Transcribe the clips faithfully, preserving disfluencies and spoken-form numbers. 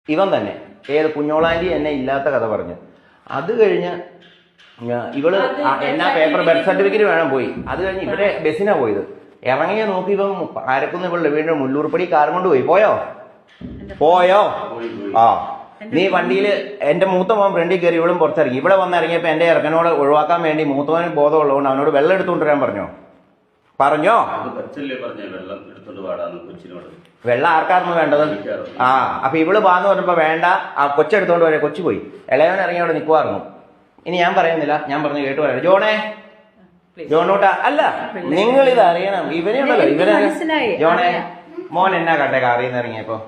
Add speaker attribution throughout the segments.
Speaker 1: ഇവൻ തന്നെ ഏത് കുഞ്ഞോളാൻറ്റി എന്നെ ഇല്ലാത്ത കഥ പറഞ്ഞു. അത് കഴിഞ്ഞ് ഇവള് എന്നാ പേപ്പർ ബർത്ത് സർട്ടിഫിക്കറ്റ് വേണം പോയി. അത് കഴിഞ്ഞ് ഇവിടെ ബസ്സിനാ പോയത്. ഇറങ്ങിയ നോക്കി ഇവൻ ആരക്കുന്ന് ഇവളുടെ വീണ്ടും മുല്ലൂർപ്പടി കാറും കൊണ്ട് പോയി. പോയോ പോയോ ആ നീ വണ്ടിയിൽ എന്റെ മൂത്ത മോൻ ഫ്രണ്ടിൽ കയറി ഇവളും പുറത്തിറങ്ങി. ഇവിടെ വന്നിറങ്ങിയപ്പോ എന്റെ ഇറക്കനോട് ഒഴിവാക്കാൻ വേണ്ടി മൂത്തവന് ബോധമുള്ളതുകൊണ്ട് അവനോട് വെള്ളം എടുത്തുകൊണ്ട് വരാൻ പറഞ്ഞോ പറഞ്ഞോ വെള്ളം ആർക്കായിരുന്നു വേണ്ടത്? ആ അപ്പൊ ഇവള് പാന്ന് പറഞ്ഞപ്പോ വേണ്ട, ആ കൊച്ചെടുത്തോണ്ട് വരെ കൊച്ചു പോയി. ഇളയവൻ ഇറങ്ങി അവിടെ നിൽക്കുമായിരുന്നു. ഇനി ഞാൻ പറയുന്നില്ല, ഞാൻ പറഞ്ഞു കേട്ടു പറയാം. ജോണേ ജോണോട്ടാ അല്ല, നിങ്ങൾ ഇത് അറിയണം. ഇവനെ ഉണ്ടല്ലോ ഇവനെ ജോണേ മോൻ എന്നാ കട്ടെ കാറിന്ന് ഇറങ്ങിയപ്പോ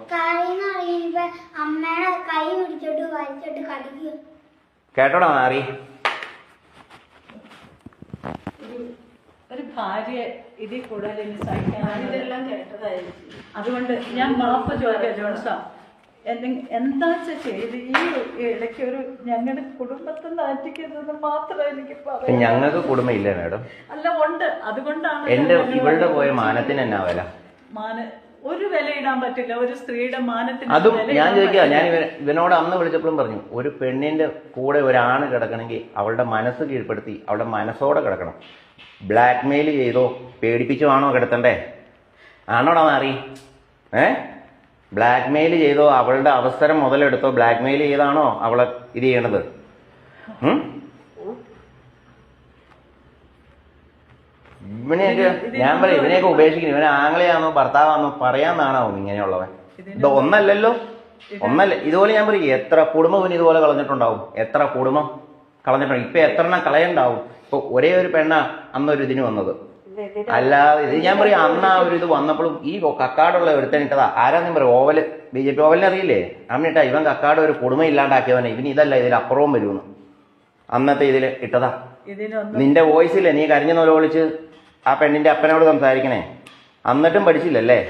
Speaker 1: കേട്ടോടാ മാറി.
Speaker 2: ഒരു ഭാര്യ ഇതിൽ കൂടുതൽ ഇനി സഹിക്കാൻ ഇതെല്ലാം കേട്ടതായിരിക്കും. അതുകൊണ്ട് ഞാൻ മാപ്പ് ചോദിക്കാം ജോൺസാ, എന്താ ചെയ്ത് ഈ ഇടയ്ക്ക് ഒരു ഞങ്ങളുടെ കുടുംബത്തിൽ നാറ്റിക്കുന്നത് മാത്രമേ എനിക്ക് പറയാം.
Speaker 1: ഞങ്ങൾക്ക് കുടുംബം ഇല്ല മാഡം.
Speaker 2: അല്ല ഉണ്ട്, അതുകൊണ്ടാണ്
Speaker 1: എന്റെ ഇവളുടെ പോയ മാനത്തിന് എന്നാ വില?
Speaker 2: മാന ഒരു വില ഇടാൻ പറ്റില്ല ഒരു സ്ത്രീയുടെ മാനത്തിന്.
Speaker 1: അതും ഞാൻ ചോദിക്കുക, ഞാൻ ഇവൻ ഇവനോട് അന്ന് വിളിച്ചപ്പോഴും പറഞ്ഞു, ഒരു പെണ്ണിന്റെ കൂടെ ഒരാണ് കിടക്കണമെങ്കിൽ അവളുടെ മനസ്സ് കീഴ്പ്പെടുത്തി അവളുടെ മനസ്സോടെ കിടക്കണം. ബ്ലാക്ക് മെയിൽ ചെയ്തോ പേടിപ്പിച്ചോ ആണോ കിടത്തണ്ടേ? ആണോടാ മാറി? ഏ ബ്ലാക്ക് മെയിൽ ചെയ്തോ അവളുടെ അവസരം മുതലെടുത്തോ ബ്ലാക്ക് മെയിൽ ചെയ്താണോ അവളെ ഇത് ചെയ്യണത്? ഇവനെയൊക്കെ ഞാൻ പറയും, ഇവനെയൊക്കെ ഉപേക്ഷിക്കുന്നു. ഇവനെ ആങ്ങളെയാണോ ഭർത്താവാണോ പറയാന്നാണാവും ഇങ്ങനെയുള്ളവൻ. ഇത് ഒന്നല്ലല്ലോ, ഒന്നല്ല. ഇതുപോലെ ഞാൻ പറയും, എത്ര കുടുംബം ഇവന് ഇതുപോലെ കളഞ്ഞിട്ടുണ്ടാവും, എത്ര കുടുംബം കളഞ്ഞിട്ടുണ്ടാവും. ഇപ്പൊ എത്ര എണ്ണം കളയണ്ടാവും. ഇപ്പൊ ഒരേ ഒരു പെണ്ണ അന്നൊരു ഇതിന് വന്നത്, അല്ലാതെ ഇത് ഞാൻ പറയും അന്ന് ആ ഒരു ഇത് വന്നപ്പോഴും ഈ കക്കാടുള്ള ഒരുത്തനിട്ടതാ. ആരാന്നും പറയും, ഓവല് ബി ജെ പി ഓവലിനെ അറിയില്ലേ? അന്നിട്ടാ ഇവൻ കക്കാട് ഒരു കുടുംബം ഇല്ലാണ്ടാക്കിയവനെ. ഇവന് ഇതല്ല ഇതിൽ അപ്പുറവും വരുമെന്ന് അന്നത്തെ ഇതില് ഇട്ടതാ. നിന്റെ വോയിസില്ലേ നീ കരഞ്ഞു നോല വിളിച്ച് ആ പെണ്ണിന്റെ അപ്പനോട് സംസാരിക്കണേ, എന്നിട്ടും പഠിച്ചില്ലല്ലേ?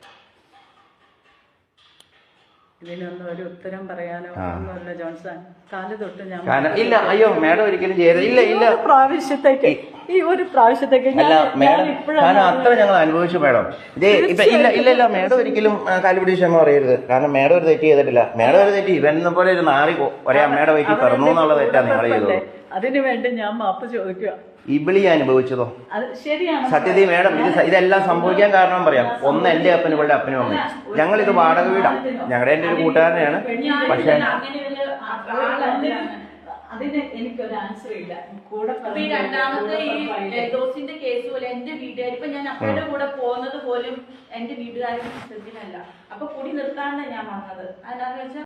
Speaker 2: ഇതിനൊന്നും ഒരു ഉത്തരം പറയാനോ ഒന്നുമല്ല ജോൺസൺ. കാല് തൊട്ട് ഞാൻ
Speaker 1: ഇല്ല. അയ്യോ മാഡം ഒരിക്കലും ചെയ്യരുത്. ഇല്ല ഇല്ല
Speaker 2: പ്രാവശ്യത്തേക്ക് ഈ ഒരു പ്രാവശ്യത്തേക്ക്
Speaker 1: അല്ല മാഡം, കാരണം അത്ര ഞങ്ങൾ അനുഭവിച്ചു മാഡം. ഇതേ ഇപ്പൊ ഇല്ല ഇല്ല ഇല്ല മാഡം ഒരിക്കലും കാലുപിടി ക്ഷമ പറയരുത്. കാരണം മാഡം ഒരു തെറ്റ് ചെയ്തിട്ടില്ല. മാഡം ഒരു തെറ്റ് ഇവനെ പോലെ ഒരു നാറി ഒരേ അമ്മയുടെ വയറ്റിൽ പിറന്നു എന്നുള്ള തെറ്റാ നിങ്ങൾ ചെയ്തത്.
Speaker 2: അതിനു വേണ്ടി ഞാൻ മാപ്പ് ചോദിക്കുക.
Speaker 1: ഇബിളി അനുഭവിച്ചതോ
Speaker 2: ശരിയാണ്
Speaker 1: സത്യത്തിൽ മേഡം. ഇത് ഇതെല്ലാം സംഭവിക്കാൻ കാരണം പറയാം. ഒന്ന് എന്റെ അപ്പനും ഇവളുടെ അപ്പനും അമ്മയും. ഞങ്ങൾ ഇത് വാടക വീടാ, ഞങ്ങളുടെ എന്റെ ഒരു കൂട്ടുകാരനെയാണ്. പക്ഷെ
Speaker 2: അതിന് എനിക്കൊരു ആൻസർ ഇല്ല. കൂടെ
Speaker 3: ഈ രണ്ടാമത്തെ ഈ ഡോസിന്റെ കേസ് പോലെ എന്റെ വീട്ടുകാർ ഇപ്പൊ ഞാൻ അപ്പയുടെ കൂടെ പോകുന്നത് പോലും എന്റെ വീട്ടുകാരും ശ്രദ്ധിക്കല്ല. അപ്പൊ കുടി നിർത്താണ്ട് ഞാൻ വന്നത്. അതിനാന്ന് വെച്ചാൽ